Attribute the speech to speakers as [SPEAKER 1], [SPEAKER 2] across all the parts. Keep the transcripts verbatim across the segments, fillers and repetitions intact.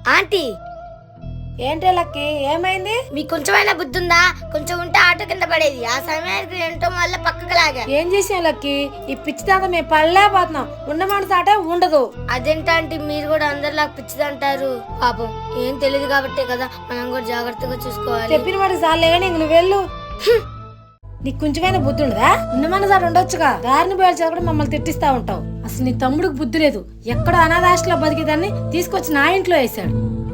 [SPEAKER 1] Aunty
[SPEAKER 2] ఏంటే lucky ఏమైంది?
[SPEAKER 1] మీకు కొంచెమైనా బుద్ధి ఉందా? కొంచెం ఉంటే ఆటో కింద పడేది. ఆ సమయానికి ఏంటో వల్ల పక్కకు లాగా.
[SPEAKER 2] ఏం చేసాం లక్కి? ఈ పిచ్చి దాకా మేము పడలేకపోతున్నాం. ఉన్న మనసు ఆట ఉండదు.
[SPEAKER 1] అదేంటంటే మీరు కూడా అందరిలాగా పిచ్చిదంటారు. పాపం ఏం తెలియదు కాబట్టే కదా, మనం కూడా జాగ్రత్తగా చూసుకోవాలి.
[SPEAKER 2] చెప్పిన వాడికి చాలే కానీ ఇంక నువ్వు వెళ్ళు. నీకు కొంచెమైనా బుద్ధి ఉండదా? ఉన్న మనసు ఆట ఉండొచ్చుగా. దారిని పోయాల్సి కూడా మమ్మల్ని తిట్టిస్తా ఉంటావు. అసలు నీ తమ్ముడికి బుద్ధి లేదు. ఎక్కడో అనాథాశ్రలో బతికేదాన్ని తీసుకొచ్చి నా ఇంట్లో వేసాడు.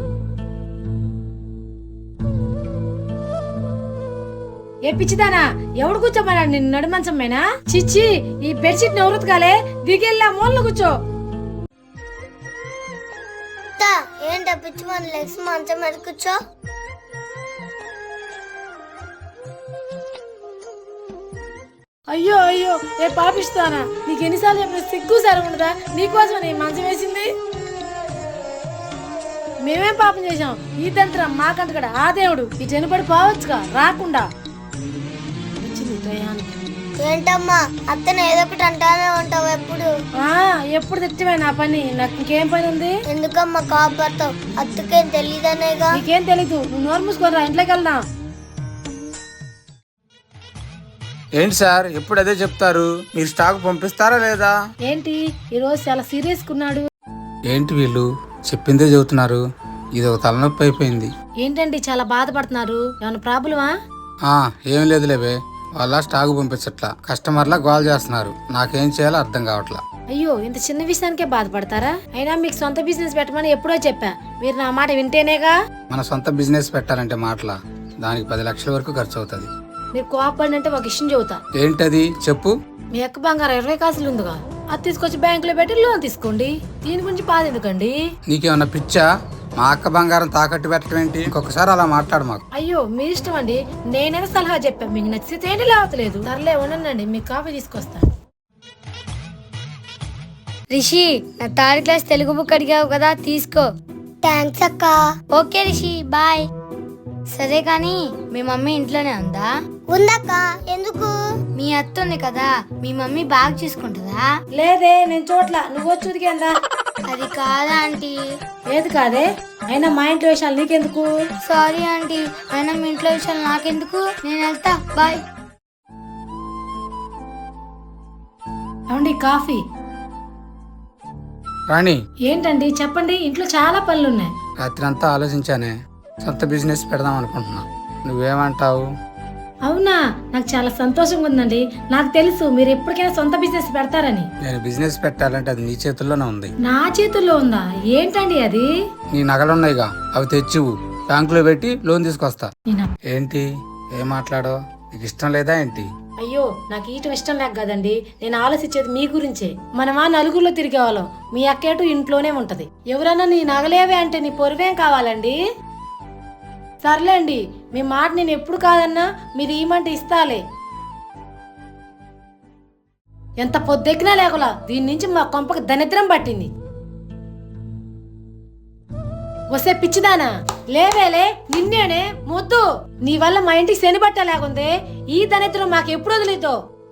[SPEAKER 2] ఏ పిచ్చిదానా, ఎవడు కూర్చోమన్నాడు నిన్ను నడి మంచమ్మేనా? చిచ్చి, ఈ బెడ్షీట్ ఎవరుతు కాలే, దిగెళ్ళా మూలలో కూర్చో.
[SPEAKER 1] ఏంట పిచ్చి మన లెగ్స్ మంచం మీద కూర్చో.
[SPEAKER 2] అయ్యో అయ్యో, ఏ పాపిస్తానా, నీకు ఎన్నిసార్లు చెప్పిన సిగ్గు సరే ఉండదా? నీకోసం నీ మంచం వేసింది. మేమేం పాపం చేసాం? ఈ తంత్రం మాకంట కూడా ఆ దేవుడు ఈ చనిపడి పోవచ్చుగా రాకుండా.
[SPEAKER 1] ఏంటమ్మా అత్తను ఏదో ఒకటి అంటానే ఉంటావు ఎప్పుడు.
[SPEAKER 2] ఆ ఎప్పుడు తిట్టమే నా పని. నాకు ఇంకేం పని ఉంది?
[SPEAKER 1] ఎందుకమ్మా కాపాడతావు? అత్తకేం తెలీదనేగా.
[SPEAKER 2] నీకేం తెలీదు, నువ్వు నోరు మూసుకోరా, ఇంట్లోకి వెళ్దాం.
[SPEAKER 3] ఏంటి సార్ ఎప్పుడు అదే చెప్తారు? మీరు స్టాక్ పంపిస్తారా లేదా?
[SPEAKER 2] ఏంటి ఈ రోజు చాలా సీరియస్ కున్నాడు?
[SPEAKER 3] ఏంటి వీళ్ళు చెప్పిందే చెబుతున్నారు? ఇది ఒక తలనొప్పి అయిపోయింది.
[SPEAKER 2] ఏంటండి చాలా బాధపడుతున్నారు? ఏమైనా ప్రాబ్లమా?
[SPEAKER 3] ఆ ఏం లేదులేవే, వాళ్ళ స్టాక్ పంపించట్లా, కస్టమర్లా గోల్ చేస్తున్నారు. నాకేం చేయాలో అర్థం కావట్లా.
[SPEAKER 2] అయ్యో, ఇంత చిన్న విషయానికే బాధపడతారా? అయినా మీకు సొంత బిజినెస్ పెట్టమని ఎప్పుడో చెప్పా. మీరు నా మాట వింటేనేగా.
[SPEAKER 3] మన సొంత బిజినెస్ పెట్టాలంటే మాటలా, దానికి పది లక్షల వరకు ఖర్చు అవుతుంది.
[SPEAKER 2] మీరు కోపడి అంటే ఒక విషయం చెబుతా.
[SPEAKER 3] ఏంటది చెప్పు.
[SPEAKER 2] మీ అక్క బంగారం ఇరవై కాసులు ఉందిగా, అది తీసుకొచ్చి బ్యాంకులో పెట్టి లోన్ తీసుకోండి. దీని గురించి బాధ ఎందుకండి?
[SPEAKER 3] నీకేమన్నా పిచ్చా? మా అక్క బంగారం తాకట్టు పెట్టడం ఏంటి? ఇంకొకసారి అలా మాట్లాడు మాకు.
[SPEAKER 2] అయ్యో మీ ఇష్టం అండి, నేనైనా సలహా చెప్పాను. మీకు నచ్చితే ఏంటి, లేవట్లేదు. సర్లే ఉండండి, మీకు కాఫీ తీసుకొస్తా.
[SPEAKER 1] రిషి, నా థర్డ్ క్లాస్ తెలుగు బుక్ అడిగావు కదా, తీసుకో. థ్యాంక్స్ అక్క. Okay Rishi, bye. సరే కానీ మీ మమ్మీ ఇంట్లోనే ఉందా? ఉందక్క. ఎందుకు? మీ అత్త ఉంది కదా, మీ మమ్మీ బాగా చూసుకుంటుందా?
[SPEAKER 2] లేదే, నేను చోట్ల నువ్వు వచ్చి ఉదికేందా?
[SPEAKER 1] అది కాదా ఆంటీ.
[SPEAKER 2] ఏది కాదే? అయినా మా ఇంట్లో విషయాలు నీకెందుకు?
[SPEAKER 1] సారీ ఆంటీ, అయినా మీ ఇంట్లో విషయాలు నాకెందుకు. నేను వెళ్తా, బాయ్.
[SPEAKER 2] ఏమండి కాఫీ?
[SPEAKER 3] రాణి,
[SPEAKER 2] ఏంటండి చెప్పండి, ఇంట్లో చాలా పనులు ఉన్నాయి.
[SPEAKER 3] రాత్రి అంతా ఆలోచించానే, సొంత బిజినెస్ పెడదాం అనుకుంటున్నా. నువ్వేమంటావు?
[SPEAKER 2] అవునా, నాకు చాలా సంతోషంగా ఉందండి. నాకు తెలుసు మీరు ఎప్పటికైనా సొంత బిజినెస్ పెడతారని.
[SPEAKER 3] నేను బిజినెస్ పెట్టాలంటే అది నీ చేతుల్లోనే ఉంది.
[SPEAKER 2] నా చేతుల్లో ఉందా? ఏంటండి అది?
[SPEAKER 3] నీ నగలున్నాయిగా, అవి తెచ్చివు, బ్యాంకులో పెట్టి లోన్ తీసుకొస్తా.
[SPEAKER 2] నేనా?
[SPEAKER 3] ఏంటి ఏం మాట్లాడో? నీకు ఇష్టం లేదా ఏంటి?
[SPEAKER 2] అయ్యో, నాకు ఈటం ఇష్టం లేక కదండి, నేను ఆలోచించేది మీ గురించే. మనమా నలుగురిలో తిరిగేవాళ్ళం, మీ అక్కేటు ఇంట్లోనే ఉంటది. ఎవరన్నా నీ నగలేవే అంటే నీ పొరువేం కావాలండి? సర్లేండి, మీ మాట నేను ఎప్పుడు కాదన్నా మీరు ఈమంటే ఇస్తాలే. ఎంత పొద్దెక్కినా లేకులా దీని నుంచి మా కొంపకి దరిద్రం పట్టింది. వస్తే పిచ్చిదానా, లేవేలే, నిన్నేనే మొద్దు. నీ వల్ల మా ఇంటికి శని బట్ట లేకుందే. ఈ దరిద్రం మాకు ఎప్పుడు వదిలేతో?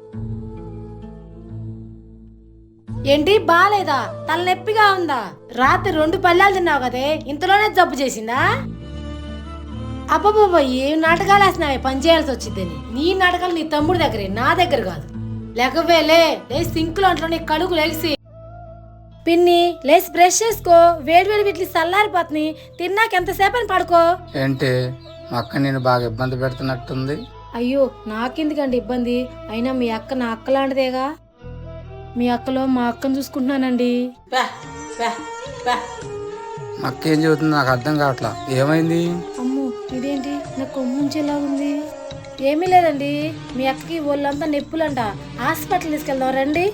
[SPEAKER 2] ఏంటి బాలేదా? తలనొప్పిగా ఉందా? రాత్రి రెండు పళ్ళాలు తిన్నావు కదే, ఇంతలోనే జబ్బు చేసిందా? అబ్బబ్బో, ఏం నాటకాలు వేసినావే పని చేయాల్సి వచ్చిందని. నీ నాటకాలు నీ తమ్ముడి దగ్గరే, నా దగ్గర కాదు. లేకవేలే, లే సింకులో అంట్లో నీ కడుగు లేసి. పిన్ని లేసి బ్రష్ చేసుకో, వేడి వేడి వీటిని చల్లారిపోతుంది. తిన్నాక ఎంతసేపని పడుకో.
[SPEAKER 3] ఏంటి మా అక్క నేను బాగా ఇబ్బంది పెడుతున్నట్టుంది?
[SPEAKER 2] అయ్యో నాకెందుకండి ఇబ్బంది? అయినా మీ అక్క నా అక్క లాంటిదేగా. మీ అక్కలో మా అక్కను చూసుకుంటున్నానండి.
[SPEAKER 3] మా అక్క ఏం చెబుతుంది నాకు అర్థం కావట్లా. ఏమైంది?
[SPEAKER 2] అమ్మో, ఇదేంటి నా కొమ్ముంచేలా ఉంది? ఏమీ లేదండి, మీ అక్కకి ఒళ్ళంతా నొప్పులంట, హాస్పిటల్ తీసుకెళ్దాం రండి.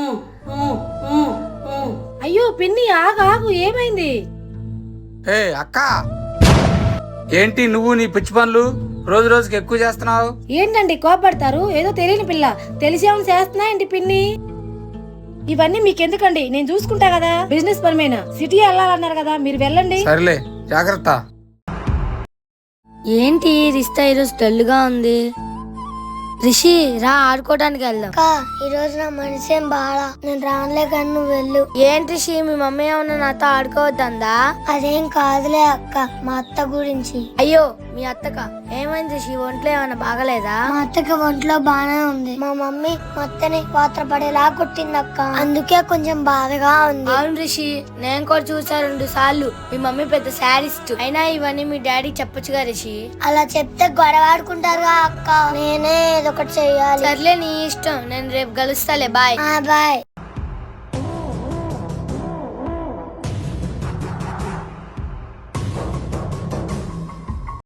[SPEAKER 2] అయ్యో పిన్ని, ఆగు ఆగు, ఏమైంది?
[SPEAKER 3] ఏ అక్క, ఏంటి నువ్వు నీ పిచ్చి పనులు రోజు రోజుకి ఎక్కువ చేస్తున్నావు?
[SPEAKER 2] ఏంటండి కోపడతారు? ఏదో తెలియని పిల్ల తెలిసేమని చేస్తున్నా ఏంటి పిన్ని? ఇవన్నీ మీకెందుకండి, నేను చూసుకుంటా కదా. బిజినెస్ పరమైన సిటీ వెళ్ళాలన్నారు కదా, మీరు వెళ్ళండి.
[SPEAKER 3] సరేలే, జాగ్రత్త.
[SPEAKER 1] ఏంటి రిస్తా ఈరోజు డల్గా ఉంది? రిషి రా ఆడుకోవడానికి వెళ్దాం. అక్క ఈ రోజు నా మనసేం బాగా, నేను రానులే కానీ నువ్వు వెళ్ళు. ఏంటి రిషి, మీ మమ్మీ ఏమన్నా నాతో ఆడుకోవద్దా? అదేం కాదులే అక్క, మా అత్త గురించి. అయ్యో మీ అత్తక ఏమైంది రిషి, ఒంట్లో ఏమన్నా బాగలేదా? మా అత్తకి ఒంట్లో బాగానే ఉంది. మా మమ్మీ మా అత్తని పాత్ర పడేలా కొట్టింది అక్క, అందుకే కొంచెం బాధగా ఉంది. అవును రిషి, నేను కూడా చూసా రెండు సార్లు. మీ మమ్మీ పెద్ద శాడిస్ట్. అయినా ఇవన్నీ మీ డాడీ చెప్పొచ్చుగా రిషి. అలా చెప్తే గొడవ ఆడుకుంటారుగా అక్క, నేనే ఏదో ఒకటి చెయ్యాలి. సర్లే నీ ఇష్టం, నేను రేపు కలుస్తాలే. Bye bye.